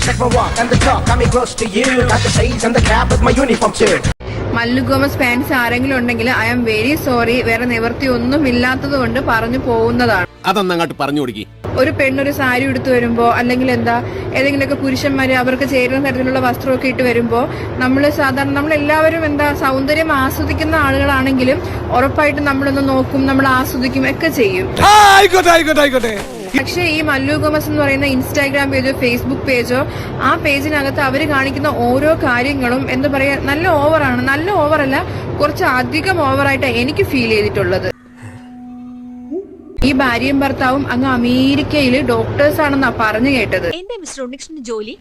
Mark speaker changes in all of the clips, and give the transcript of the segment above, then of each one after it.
Speaker 1: Check my walk and the talk, got me close to you. Got the shades and the cap with my uniform too.
Speaker 2: Mallu Gomez fans ആരെങ്കിലും ഉണ്ടെങ്കിൽ I am very sorry, വേറെ നിവൃത്തി ഒന്നും ഇല്ലാത്തത് കൊണ്ട് പറഞ്ഞു പോകുന്നതാണ്.
Speaker 3: അതൊന്നങ്ങോട്ട് പറഞ്ഞു കൊടുക്കി.
Speaker 2: ഒരു പെണ്ണൊരു സാരി എടുത്തു വരുമ്പോ, അല്ലെങ്കിൽ എന്താ ഏതെങ്കിലുമൊക്കെ പുരുഷന്മാര് അവർക്ക് ചേരുന്ന തരത്തിലുള്ള വസ്ത്രമൊക്കെ ഇട്ട് വരുമ്പോ, നമ്മളെല്ലാവരും എന്താ സൗന്ദര്യം ആസ്വദിക്കുന്ന ആളുകളാണെങ്കിലും ഉറപ്പായിട്ടും നമ്മളൊന്ന് നോക്കും, നമ്മൾ ആസ്വദിക്കും ഒക്കെ ചെയ്യും. പക്ഷേ ഈ മല്ലു ഗോമസ് എന്ന് പറയുന്ന ഇൻസ്റ്റാഗ്രാം പേജോ ഫേസ്ബുക്ക് പേജോ, ആ പേജിനകത്ത് അവര് കാണിക്കുന്ന ഓരോ കാര്യങ്ങളും എന്താ പറയാ, നല്ല ഓവറാണ്. നല്ല ഓവറല്ല, കുറച്ച് അധികം ഓവറായിട്ടാണ് എനിക്ക് ഫീൽ ചെയ്തിട്ടുള്ളത്. ഈ ഭാര്യയും ഭർത്താവും അങ്ങ് അമേരിക്കയിൽ ഡോക്ടേഴ്സ് ആണെന്നാ പറഞ്ഞു കേട്ടത്.
Speaker 4: എന്താ മിസ്റ്റർ ഉണ്ണികൃഷ്ണൻ ജോലി?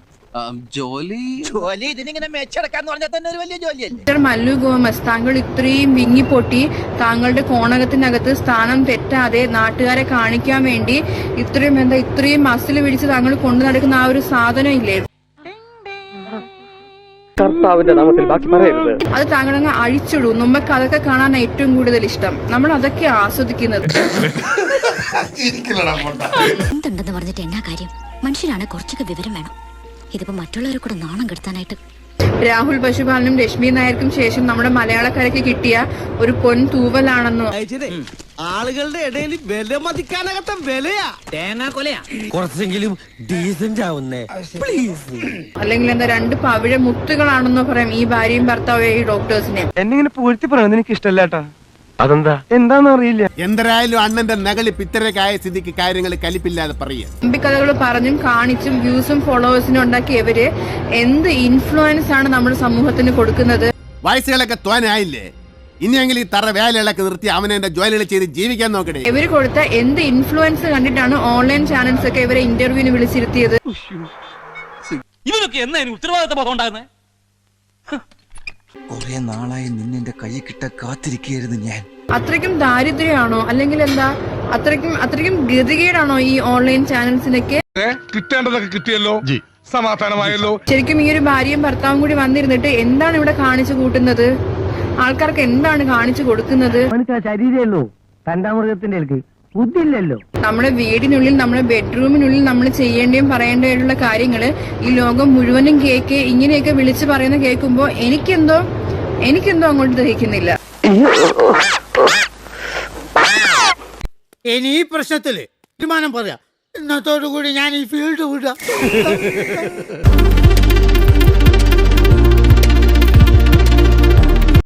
Speaker 2: മിസ്റ്റർ മല്ലു ഗോമസ്, താങ്കൾ ഇത്രയും വിങ്ങിപ്പൊട്ടി താങ്കളുടെ കോണകത്തിനകത്ത് സ്ഥാനം തെറ്റാതെ നാട്ടുകാരെ കാണിക്കാൻ വേണ്ടി ഇത്രയും മസിൽ പിടിച്ച് താങ്കൾ കൊണ്ടു നടക്കുന്ന ആ ഒരു സാധനം ഇല്ലേ, അത് താങ്കളങ്ങ് അഴിച്ചിടും. നമുക്ക് അതൊക്കെ കാണാൻ ഏറ്റവും കൂടുതൽ ഇഷ്ടം. നമ്മൾ അതൊക്കെ ആസ്വദിക്കുന്നത്.
Speaker 4: എന്തുണ്ടെന്ന് പറഞ്ഞിട്ട് എന്നാ കാര്യം? മനുഷ്യരാണ്, കുറച്ചൊക്കെ വിവരം വേണം. ഇതിപ്പോ മറ്റുള്ളവരെ കൂടെ നാണം കെടുത്താനായിട്ട്.
Speaker 2: രാഹുൽ പശുപാലനും രശ്മി നായർക്കും ശേഷം നമ്മുടെ മലയാളക്കരയ്ക്ക് കിട്ടിയ ഒരു പൊൻ തൂവലാണെന്നോ,
Speaker 5: ആളുകളുടെ ഇടയിൽ വില മതിക്കാനകത്ത വിലയാ, തേങ്ങാ കൊലയാ, കുറച്ചെങ്കിലും ഡീസന്റ് ആവുന്നേ പ്ലീസ്,
Speaker 2: അല്ലെങ്കിൽ എന്താ രണ്ട് പവിഴ മുത്തുകളാണെന്നോ പറയാം ഈ ഭാര്യയും ഭർത്താവും ഈ ഡോക്ടേഴ്സിനെ.
Speaker 6: എന്നിങ്ങനെ പൂഴ്ത്തി പറയുന്നത് എനിക്ക് ഇഷ്ടമല്ലാട്ടാ. അതെന്താ എന്താന്ന് അറിയില്ല.
Speaker 3: എന്തായാലും അണ്ണന്റെ നകളി പിത്തരക്കായ സ്ഥിതിക്ക് കാര്യങ്ങൾ കലിപ്പില്ലാതെ പറയുക.
Speaker 2: കഥകൾ പറഞ്ഞും കാണിച്ചും വ്യൂസും ഫോളോവേഴ്സിനും ഉണ്ടാക്കിയവര് എന്ത് ഇൻഫ്ലുവൻസ് ആണ് നമ്മുടെ സമൂഹത്തിന് കൊടുക്കുന്നത്.
Speaker 3: വയസ്സുകളൊക്കെ തോനായില്ലേ, ഇനിയെങ്കിലും ഈ തറ വേലകളൊക്കെ നിർത്തി അവനെ ജോലികൾ ചെയ്ത് ജീവിക്കാൻ നോക്കണേ.
Speaker 2: ഇവര് കൊടുത്ത എന്ത് ഇൻഫ്ലുവൻസ് കണ്ടിട്ടാണ് ഓൺലൈൻ ചാനൽസ് ഒക്കെ ഇവരെ ഇന്റർവ്യൂവിന് വിളിച്ചിരുത്തിയത്.
Speaker 7: ഇവനൊക്കെ എന്നാ ഉത്തരവാദിത്ത ബോധം ഉണ്ടാകുന്നത്?
Speaker 8: കുറെ നാളായി നിന്നെ കൈ കിട്ട കാത്തിരിക്കുകയായിരുന്നു ഞാൻ.
Speaker 2: അത്രയ്ക്കും ദാരിദ്ര്യമാണോ, അല്ലെങ്കിൽ എന്താ അത്രയ്ക്കും ഗതികേടാണോ ഈ ഓൺലൈൻ ചാനൽസിനൊക്കെ?
Speaker 9: കിട്ടേണ്ടതൊക്കെ കിട്ടിയല്ലോ, സമാധാനമായല്ലോ.
Speaker 2: ശരിക്കും ഈ ഒരു ഭാര്യയും ഭർത്താവും കൂടി വന്നിരുന്നിട്ട് എന്താണ് ഇവിടെ കാണിച്ചു കൂട്ടുന്നത്? ആൾക്കാർക്ക് എന്താണ് കാണിച്ചു കൊടുക്കുന്നത്?
Speaker 6: ശരീരമല്ലോ തണ്ടാമൃഗത്തിന്റെ ബുദ്ധിയില്ലല്ലോ.
Speaker 2: നമ്മുടെ വീടിനുള്ളിൽ, നമ്മുടെ ബെഡ്റൂമിനുള്ളിൽ നമ്മൾ ചെയ്യേണ്ടിയും പറയേണ്ടതായിട്ടുള്ള കാര്യങ്ങള് ഈ ലോകം മുഴുവനും ഇങ്ങനെയൊക്കെ വിളിച്ചു പറയുന്ന കേൾക്കുമ്പോ എനിക്കെന്തോ അങ്ങോട്ട് ദഹിക്കുന്നില്ല.
Speaker 5: ഇനി ഈ പ്രശ്നത്തില് തീരുമാനം പറയാം. ഇന്നത്തോടു കൂടി ഞാൻ ഈ ഫീൽഡ് വിടാം.